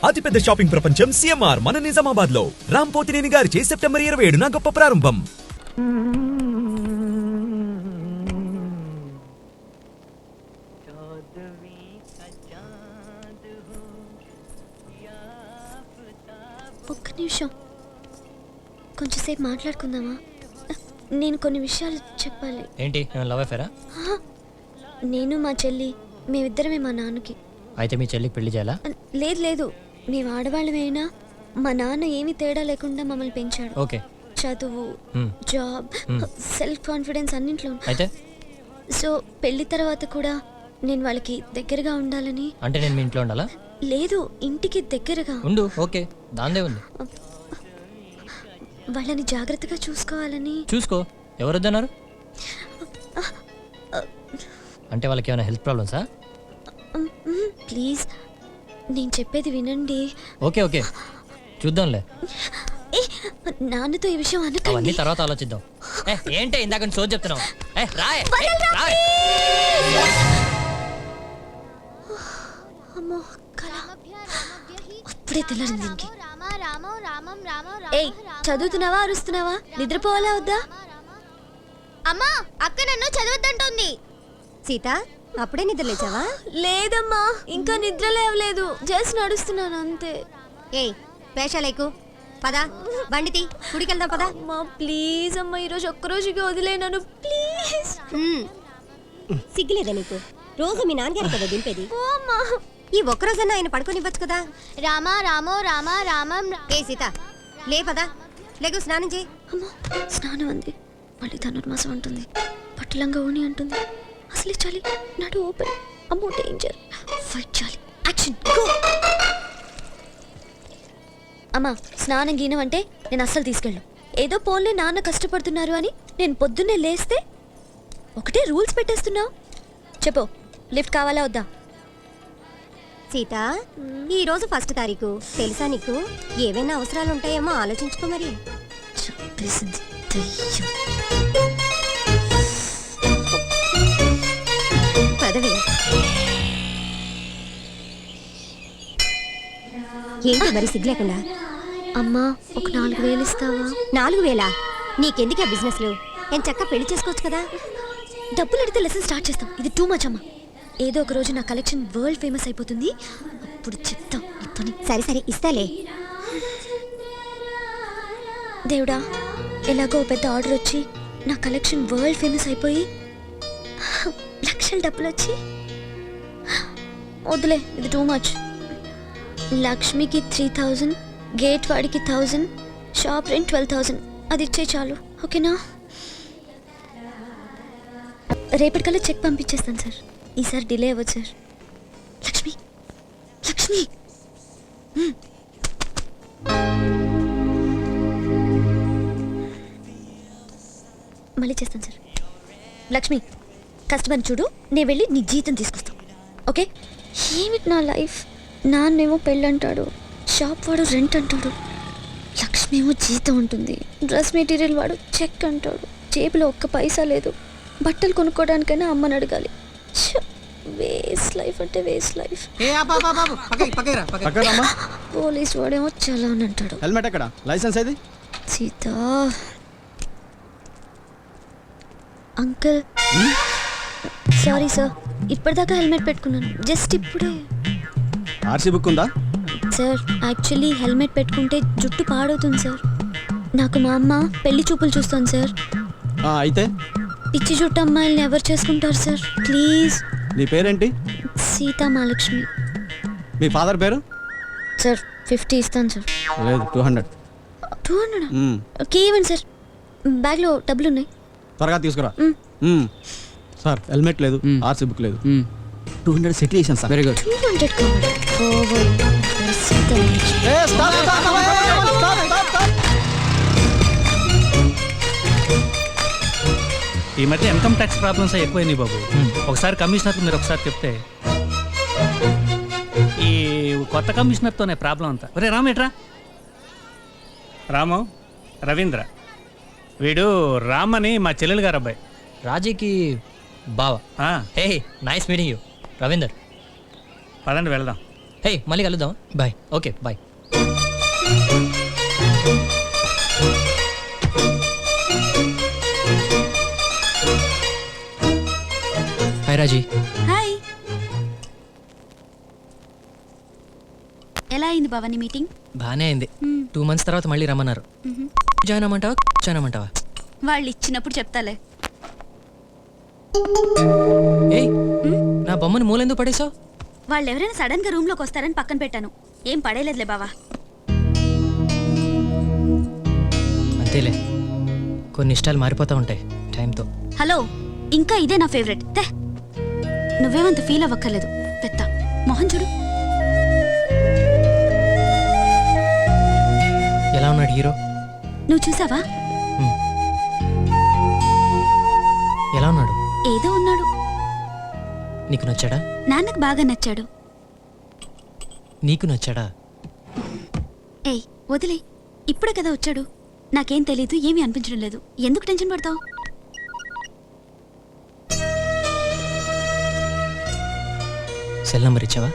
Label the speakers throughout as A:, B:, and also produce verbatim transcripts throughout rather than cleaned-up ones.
A: అతిపెద్ద షాపింగ్ ప్రపంచం సిఎంఆర్ మన నిజామాబాద్ లో రామ్ పోతినేని గారిచే సెప్టెంబర్ ఇరవై ఏడున గొప్ప ప్రారంభం.
B: ఒక్క నిమిషం, కొంచెంసేపు మాట్లాడుకుందామా? నేను కొన్ని విషయాలు చెప్పాలి.
C: ఏంటి, లవ్ అఫేరా?
B: నేను మా చెల్లి మేమిద్దరమే మా నాన్నకి.
C: అయితే మీ చెల్లికి పెళ్లి చేయాలా?
B: లేదు లేదు, మేము ఆడవాళ్ళమైనా మా నాన్న ఏమీ తేడా లేకుండా మమ్మల్ని పెంచాడు.
C: ఓకే.
B: చదువు, జాబ్, సెల్ఫ్ కాన్ఫిడెన్స్ అన్నింట్లో.
C: అయితే
B: సో పెళ్లి తర్వాత కూడా నేను వాళ్ళకి దగ్గరగా ఉండాలని.
C: అంటే నేను మీ ఇంట్లో ఉండాలా?
B: లేదు, ఇంటికి దగ్గరగా
C: ఉండు. ఓకే, దాందే ఉంది.
B: వాళ్ళని జాగ్రత్తగా చూసుకోవాలని.
C: చూసుకో, ఎవరొద్దన్నారు? అంటే వాళ్ళకి ఏమైనా హెల్త్ ప్రాబ్లమ్సా?
B: ప్లీజ్ నేను చెప్పేది వినండి.
C: ఓకే ఓకే, చూద్దాంలే.
B: నాన్నతో ఈ విషయం అనకండి.
C: అవన్నీ తర్వాత ఆలోచిద్దాం. ఏంటి ఇందాక సోది చెప్తున్నావు?
B: అమ్మో, అప్పుడే తెల్లారింది దీనికి. ఏయ్, చదువుతున్నావా అరుస్తున్నావా? నిద్రపోవాలా వద్దా?
D: అమ్మా, అక్క నన్ను చదవద్దంటోంది. సీత, అప్పుడే నిద్ర లేచావా?
B: లేదమ్మా, ఇంకా నిద్ర లేవలేదు, జస్ట్ నడుస్తున్నాను అంతే.
D: ఏయ్, పేషాలేకు పదా, బండితి గుడికెళ్దాం పదా.
B: అమ్మా ప్లీజ్ అమ్మా, ఈరోజు ఒక్కరోజుకి వదిలేనాను ప్లీజ్.
D: సిగ్గులేదా నీకు? రోజు మీ నాన్నగారు కదా దింపేది.
B: అమ్మా,
D: ఈ ఒక్కరోజన్నా ఆయన పడుకోనివ్వచ్చు కదా. రామా రామో రామా రామం. ఏ సీత, లే పదా, లేకు స్నానం చేయి.
B: అమ్మో, స్నానం అంది, మళ్ళీ ధనుర్మాసం అంటుంది, పట్టులంగా ఓని అంటుంది. అసలే చాలి, నాడు ఓపెన్. అమ్మో డేంజర్, ఫైట్ చాలి, యాక్షన్ గో. అమ్మా, స్నానం గీనం అంటే నేను అస్సలు తీసుకెళ్ళను. ఏదో పోన్లే నాన్న కష్టపడుతున్నారు అని నేను పొద్దున్నే లేస్తే ఒకటే రూల్స్ పెట్టేస్తున్నావు. చెప్పు, లిఫ్ట్ కావాలా వద్దా?
D: సీత, ఈ రోజు ఫస్ట్ తారీఖు తెలుసా నీకు? ఏవైనా అవసరాలు ఉంటాయేమో ఆలోచించుకో మరి.
B: చెప్పేసింది దయ్యం.
D: పదవి ఏంటి మరి సిగ్గు లేకుండా?
B: అమ్మా, ఒక నాలుగు వేలు ఇస్తావా?
D: నాలుగు వేలా? నీకెందుకు ఆ బిజినెస్లు? నేను చక్క పెళ్లి చేసుకోవచ్చు కదా.
B: డబ్బులు అడిగితే లెసన్ స్టార్ట్ చేస్తాం, ఇది టూ మచ్ అమ్మా. ఏదో ఒక రోజు నా కలెక్షన్ వరల్డ్ ఫేమస్ అయిపోతుంది, అప్పుడు చెప్తాం ఈ పని.
D: సరే సరే, ఇస్తాలే.
B: దేవుడా, ఎలాగో పెద్ద ఆర్డర్ వచ్చి నా కలెక్షన్ వరల్డ్ ఫేమస్ అయిపోయి లక్షల డబ్బులు వచ్చి, వద్దులే ఇది టూ మచ్. లక్ష్మికి త్రీ థౌజండ్, గేట్ వాడికి thousand, shop rent twelve thousand, అది ఇచ్చే చాలు. ఓకేనా? రేపటికల్లా చెక్ పంపించేస్తాను సార్, ఈసారి డిలే అవ్వదు సార్. లక్ష్మి, లక్ష్మి, మళ్ళీ చేస్తాను సార్. లక్ష్మి, కస్టమర్ చూడు, నేను వెళ్ళి నీ జీతం తీసుకొస్తాను. ఓకే? ఏమిటి నా లైఫ్? నాన్నేమో పెళ్ళి అంటాడు, షాప్ వాడు రెంట్ అంటాడు, లక్ష్మి ఏమో జీతం ఉంటుంది, డ్రెస్ మెటీరియల్ వాడు చెక్ అంటాడు, జేబులో ఒక్క పైసా లేదు, బట్టలు కొనుక్కోవడానికైనా అమ్మని అడగాలి. వేస్ట్ లైఫ్ అంటే వేస్ట్ లైఫ్. పోలీస్ వాడేమో చాలా అని అంటాడు.
E: హెల్మెట్ ఎక్కడ? లైసెన్స్ ఏది?
B: సీత అంకుల్, సారీ సార్, ఇప్పటిదాకా హెల్మెట్ పెట్టుకున్నాను, జస్ట్ ఇప్పుడే.
E: ఆర్సీ బుక్ ఉందా?
B: సార్, యాక్చువల్లీ హెల్మెట్ పెట్టుకుంటే జుట్టు పాడవుతుంది సార్. నాకు మా అమ్మ పెళ్లి చూపులు చూస్తాను సార్.
E: అయితే
B: పిచ్చి జుట్టు అమ్మాయిల్ని ఎవరు చేసుకుంటారు సార్? ప్లీజ్.
E: నీ పేరేంటి?
B: సీతా మహాలక్ష్మి.
E: మీ ఫాదర్ పేరు?
B: సార్ ఫిఫ్టీ ఇస్తాను సార్.
E: లేదు, two hundred.
B: Two hundred okay, ఇవ్వండి సార్, బ్యాగ్లో డబ్బులు ఉన్నాయి.
E: త్వరగా తీసుకురా. సార్, హెల్మెట్ లేదు, ఆర్సీ బుక్ లేదు, టూ హండ్రెడ్ సెటిల్ చేశాను sir. Very good.
B: Two hundred కావాలి.
F: ఈ మధ్య ఇన్కమ్ ట్యాక్స్ ప్రాబ్లమ్స్ ఎక్కువైనాయి బాబు. ఒకసారి కమిషనర్కి మీరు ఒకసారి చెప్తే. ఈ కొత్త కమిషనర్తోనే ప్రాబ్లం అంతా. ఒరే రాము, ఎట్రా రాము, రవీంద్ర, వీడు రామ్ అని మా చెల్లెలు గారు అబ్బాయి.
C: రాజీకి బావా? Hey, nice meeting you Ravinder.
F: పదండి వెళ్దాం.
C: హే మళ్ళీ కలుద్దాం bye. Okay bye. Hi Raji.
B: Hi. ఎలా అయింది భవాని మీటింగ్?
C: బాగానే అయింది. టూ మంత్స్ తర్వాత మళ్ళీ రమ్మన్నారు. జాయిన్ అమ్మంటావా జాయిన్ అమ్మంటావా?
B: వాళ్ళు ఇచ్చినప్పుడు చెప్తాలే.
C: ఏయ్ నా బొమ్మను మూలెందుకు పడేసావు?
B: వాళ్ళు ఎవరైనా సడన్ గా రూమ్ లోకి వస్తారని పక్కన పెట్టాను. ఏం పడేలేదులే బావా.
C: అంతేలే, కొన్ని ఇష్టాలు మారిపోతూ ఉంటాయి టైంతో.
B: హలో, ఇంకా ఇదే నా ఫేవరెట్. తే నువ్వేమంత ఫీల్ అవ్వక్కర్లేదు. పెద్ద మొహం చూడు.
C: ఎలా ఉన్నాడు హీరో?
B: నువ్వు చూసావా?
C: ఎలా ఉన్నాడు?
B: ఏదో ఉన్నాడు.
C: నీకు నచ్చాడా?
B: నాన్నకు బాగా నచ్చాడు.
C: నీకు నచ్చాడా?
B: ఏయ్ వదిలే, ఇప్పుడే కదా వచ్చాడు. నాకేం తెలీదు, ఏమీ అనిపించడం లేదు. ఎందుకు టెన్షన్ పడతావు?
C: సెల్ నంబర్ ఇచ్చావా?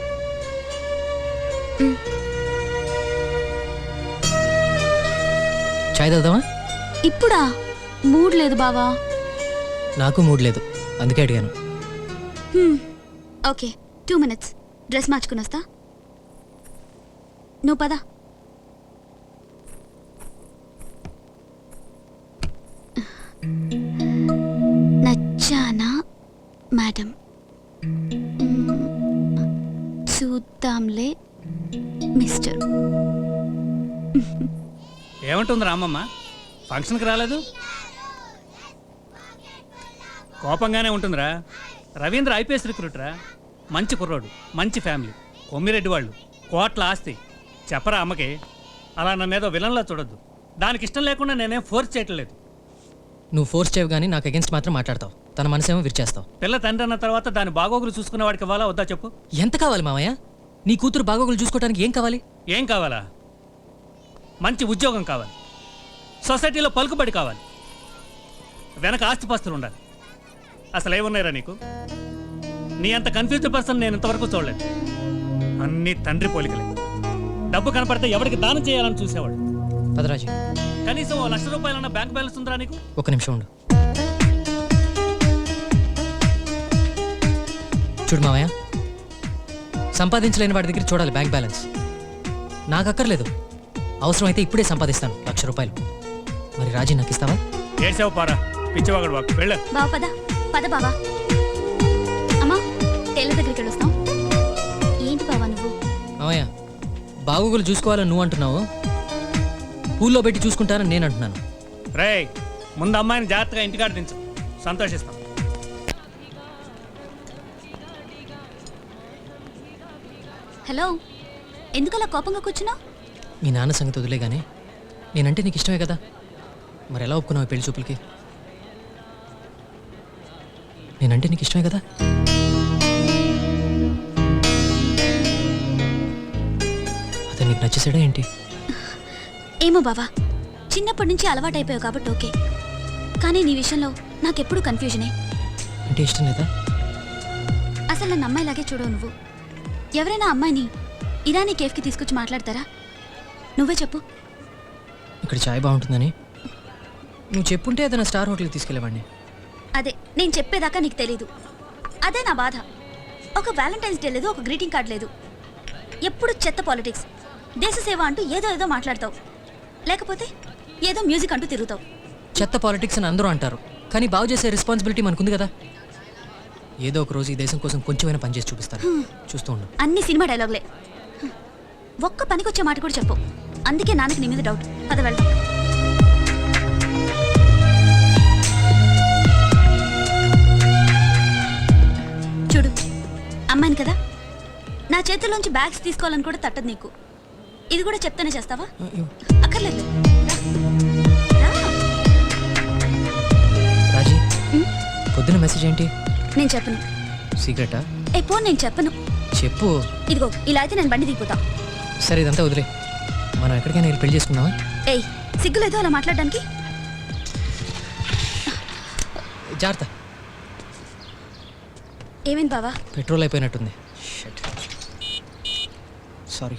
C: చాయ్ తాగుదామా?
B: ఇప్పుడా? మూడ్ లేదు బావా.
C: నాకు మూడ్ లేదు, అందుకే అడిగాను.
B: హ్మ్, ఓకే, టూ మినిట్స్ డ్రెస్ మార్చుకుని వస్తా. నువ్వు పదా. నచ్చానా మేడం? చూద్దాంలే మిస్టర్.
F: ఏమంటుంది రామమ్మ? ఫంక్షన్కి రాలేదు? కోపంగానే ఉంటుందిరా. రవీంద్ర ఐపీఎస్ రిక్రూటరా, మంచి కుర్రోడు, మంచి ఫ్యామిలీ, కొమ్మిరెడ్డి వాళ్ళు, కోట్ల ఆస్తి. చెప్పరా అమ్మకి, అలా నన్నేదో విలన్లా చూడొద్దు. దానికి ఇష్టం లేకుండా నేనేం ఫోర్స్ చేయటం లేదు.
C: నువ్వు ఫోర్స్ చేయవు కానీ నాకు అగెన్స్ట్ మాత్రం మాట్లాడతావు. తన మనసేమో విరిచేస్తావు.
F: పిల్ల తండ్రి అన్న తర్వాత దాని బాగోగులు చూసుకునే వాడికి ఇవ్వాలా వద్దా చెప్పు?
C: ఎంత కావాలి మామయ్య? నీ కూతురు బాగోగులు చూసుకోవడానికి ఏం కావాలి?
F: ఏం కావాలా? మంచి ఉద్యోగం కావాలి, సొసైటీలో పలుకుబడి కావాలి, వెనక ఆస్తిపాస్తులు ఉండాలి. అసలు ఏమున్నాయిరా నీకు? నీ అంత కన్ఫ్యూజ్డ్ పర్సన్ నేను ఇంతవరకు చూడలేదు. అన్ని తండ్రి పోలికలే. డబ్బు కనపడితే ఎవరికి దానం చేయాలని చూసేవాడు.
C: పదరాజు,
F: కనీసం ఓ లక్ష రూపాయలన్న బ్యాంక్ బ్యాలెన్స్ ఉందిరా నీకు?
C: ఒక నిమిషం ఉండు. చూడు మామయ్య, సంపాదించలేని వాడి దగ్గర చూడాలి బ్యాంక్ బ్యాలెన్స్. నాకు అక్కర్లేదు, అవసరమైతే ఇప్పుడే సంపాదిస్తాను లక్ష రూపాయలు. మరి రాజీ నాకు ఇస్తావా?
F: ఏడ్చావు పారా, పిచ్చివాగడు బాబు. వెళ్ళ
B: బావ పద పద బావా. అమ్మా, టైలర్ దగ్గరికి వెళ్ళొస్తాం. ఏంటి బావా నువ్వు?
C: మామయ్య, బాగోగులు చూసుకోవాలని నువ్వు అంటున్నావు, పూల్లో పెట్టి చూసుకుంటానని నేను అంటున్నాను.
F: రేయ్, ముందు అమ్మాయిని జాగ్రత్తగా ఇంటికాడ దించు, సంతోషిస్తాం.
B: హలో, ఎందుకలా కోపంగా కూర్చున్నావు?
C: మీ నాన్న సంగతి వదిలే కానీ నేనంటే నీకు ఇష్టమే కదా, మరి ఎలా ఒప్పుకున్నావు పెళ్లి చూపులకి? నేనంటే నీకు ఇష్టమే కదా? అదే నీకు నచ్చేసాడా ఏంటి?
B: ఏమో బావా, చిన్నప్పటి నుంచి అలవాటైపోయావు కాబట్టి ఓకే, కానీ నీ విషయంలో నాకెప్పుడు కన్ఫ్యూజనే.
C: అంటే ఇష్టం లేదా?
B: అసలు నన్ను అమ్మాయిలాగే చూడవు నువ్వు. ఎవరైనా అమ్మాయిని ఇరానీ కేఫ్కి తీసుకొచ్చి మాట్లాడతారా? నువ్వే చెప్పు.
C: ఇక్కడ చాయ్ బాగుంటుందని నువ్వు చెప్పుంటే ఏదైనా స్టార్ హోటల్కి తీసుకెళ్ళేవాడిని.
B: అదే నేను చెప్పేదాకా నీకు తెలీదు. అదే నా బాధ. ఒక వ్యాలంటైన్స్ డే లేదు, ఒక గ్రీటింగ్ కార్డ్ లేదు. ఎప్పుడు చెత్త పాలిటిక్స్, దేశ సేవ అంటూ ఏదో ఏదో మాట్లాడతావు, లేకపోతే ఏదో మ్యూజిక్ అంటూ తిరుగుతావు.
C: చెత్త పాలిటిక్స్ అని అందరూ అంటారు, కానీ బాగు చేసే రెస్పాన్సిబిలిటీ మనకుంది కదా. ఏదో ఒక రోజు ఈ దేశం కోసం కొంచెమైనా పనిచేసి చూపిస్తాను, చూస్తూ ఉండు.
B: అన్ని సినిమా డైలాగులే, ఒక్క పనికొచ్చే మాట కూడా చెప్పు. అందుకే నాన్నకి నీ మీద డౌట్. పద వెళ్దాం. చూడు, అమ్మాయిని కదా, నా చేతుల్లోంచి బ్యాగ్స్ తీసుకోవాలని కూడా తట్టదు నీకు. ఇది కూడా చెప్తానే చేస్తావా? అక్కర్లేదు.
C: రాజీ, పొద్దున మెసేజ్ ఏంటి?
B: నేను చెప్పను.
C: సీక్రెటా?
B: ఏ పో, నేను చెప్పను.
C: చెప్పు.
B: ఇదిగో ఇలా అయితే నేను బండి దిగిపోతా.
C: సరే, ఇదంతా వదిలే, మనం ఎక్కడికైనా వెళ్ళి పెళ్లి చేసుకుందామా?
B: ఏయ్, సిగ్గులేదో అలా మాట్లాడడానికి?
C: జాగ్రత్త.
B: ఏమైంది బావా?
C: పెట్రోల్ అయిపోయినట్టుంది. Shit. సారీ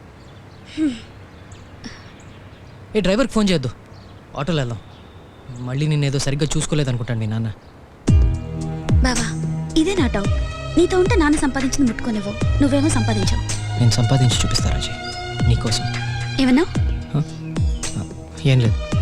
C: ఏ డ్రైవర్కి ఫోన్ చేయొద్దు ఆటోలో వెళ్దాం మళ్ళీ నేను ఏదో సరిగ్గా చూసుకోలేదు అనుకుంటాను మీ నాన్న
B: బావా ఇదే నా డౌట్ నీతో ఉంటే నాన్న సంపాదించింది ముట్టుకోనివ్వు నువ్వేమో సంపాదించావు
C: నేను సంపాదించి చూపిస్తా రాజీ నీకోసం
B: ఏమన్నా
C: హ? ఏం లేదు